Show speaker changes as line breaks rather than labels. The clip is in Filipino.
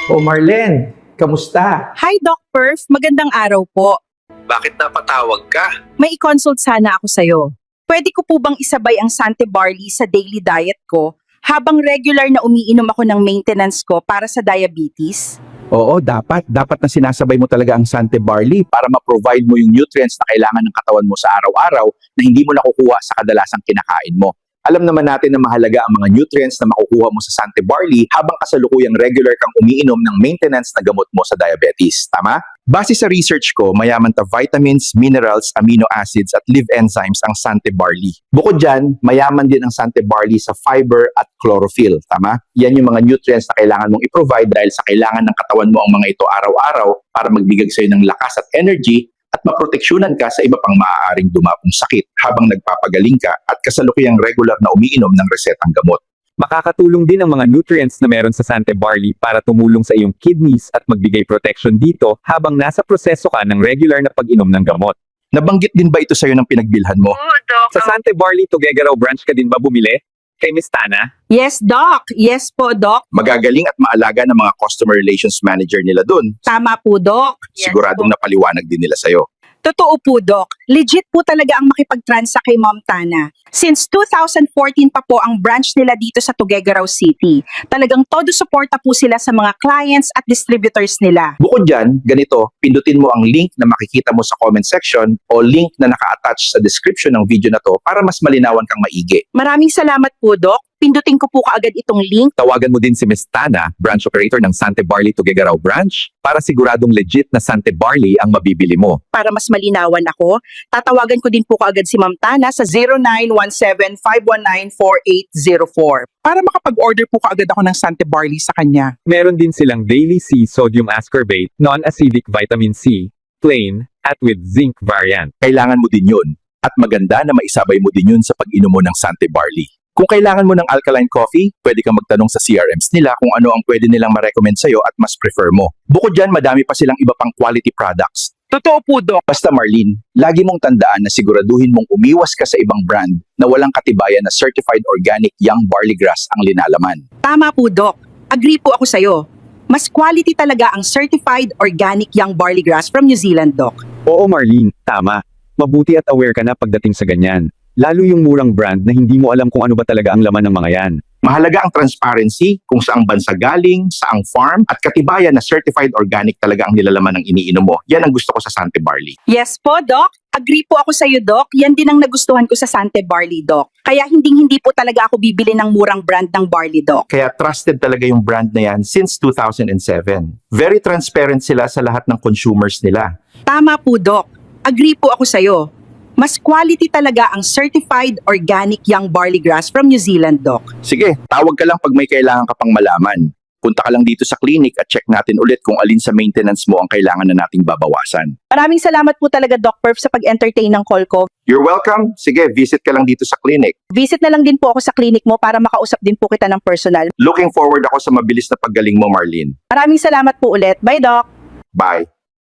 O Marlen, kamusta?
Hi, Doc Perf. Magandang araw po.
Bakit napatawag ka?
May i-consult sana ako sa'yo. Pwede ko po bang isabay ang Sante Barley sa daily diet ko habang regular na umiinom ako ng maintenance ko para sa diabetes?
Oo, dapat. Dapat na sinasabay mo talaga ang Sante Barley para ma-provide mo yung nutrients na kailangan ng katawan mo sa araw-araw na hindi mo nakukuha sa kadalasang kinakain mo. Alam naman natin na mahalaga ang mga nutrients na makukuha mo sa Sante Barley habang kasalukuyang regular kang umiinom ng maintenance na gamot mo sa diabetes. Tama? Base sa research ko, mayaman ta vitamins, minerals, amino acids at live enzymes ang Sante Barley. Bukod dyan, mayaman din ang Sante Barley sa fiber at chlorophyll. Tama? Yan yung mga nutrients na kailangan mong i-provide dahil sa kailangan ng katawan mo ang mga ito araw-araw para magbigay sa'yo ng lakas at energy at maproteksyonan ka sa iba pang maaaring dumapong sakit habang nagpapagaling ka at kasalukuyang regular na umiinom ng resetang gamot.
Makakatulong din ang mga nutrients na meron sa Sante Barley para tumulong sa iyong kidneys at magbigay protection dito habang nasa proseso ka ng regular na pag-inom ng gamot.
Nabanggit din ba ito sa'yo ng pinagbilhan mo?
Sa Sante Barley Tuguegarao branch ka din ba bumili? Kay Miss Tana?
Yes, Doc. Yes po, Doc.
Magagaling at maalaga ng mga customer relations manager nila dun.
Tama po, Doc.
Siguradong napaliwanag din nila sa'yo.
Totoo po, Doc. Legit po talaga ang makipag-transact kay Ma'am Tana. Since 2014 pa po ang branch nila dito sa Tuguegarao City. Talagang todo suporta po sila sa mga clients at distributors nila.
Bukod dyan, ganito, pindutin mo ang link na makikita mo sa comment section o link na naka-attach sa description ng video na to para mas malinawan kang maigi.
Maraming salamat po, Doc. Pindutin ko po kaagad itong link.
Tawagan mo din si Miss Tana, branch operator ng Sante Barley Tuguegarao branch, para siguradong legit na Sante Barley ang mabibili mo.
Para mas malinawan ako, tatawagan ko din po kaagad si Ma'am Tana sa 0917-519-4804.
Para makapag-order po kaagad ako ng Sante Barley sa kanya.
Meron din silang Daily C Sodium Ascorbate, Non-Acidic Vitamin C, plain, at with zinc variant.
Kailangan mo din yun. At maganda na maisabay mo din yun sa pag-inom mo ng Sante Barley. Kung kailangan mo ng alkaline coffee, pwede kang magtanong sa CRMs nila kung ano ang pwede nilang ma-recommend sa'yo at mas prefer mo. Bukod dyan, madami pa silang iba pang quality products.
Totoo po, Doc.
Basta Marlene, lagi mong tandaan na siguraduhin mong umiwas ka sa ibang brand na walang katibayan na certified organic young barley grass ang linalaman.
Tama po, Doc. Agree po ako sa'yo. Mas quality talaga ang certified organic young barley grass from New Zealand, Doc.
Oo Marlene, tama. Mabuti at aware ka na pagdating sa ganyan. Lalo yung murang brand na hindi mo alam kung ano ba talaga ang laman ng mga yan.
Mahalaga ang transparency kung saang bansa galing, saang farm, at katibayan na certified organic talaga ang nilalaman ng iniinom mo. Yan ang gusto ko sa Sante Barley.
Yes po, Doc. Agree po ako sa'yo, Doc. Yan din ang nagustuhan ko sa Sante Barley, Doc. Kaya hindi po talaga ako bibili ng murang brand ng barley, Doc.
Kaya trusted talaga yung brand na yan since 2007. Very transparent sila sa lahat ng consumers nila.
Tama po, Doc. Agree po ako sa'yo. Mas quality talaga ang certified organic young barley grass from New Zealand, Doc.
Sige, tawag ka lang pag may kailangan ka pang malaman. Punta ka lang dito sa clinic at check natin ulit kung alin sa maintenance mo ang kailangan na nating babawasan.
Maraming salamat po talaga, Doc Perf, sa pag-entertain ng call ko.
You're welcome. Sige, visit ka lang dito sa clinic.
Visit na lang din po ako sa clinic mo para makausap din po kita ng personal.
Looking forward ako sa mabilis na paggaling mo, Marlene.
Maraming salamat po ulit. Bye, Doc.
Bye.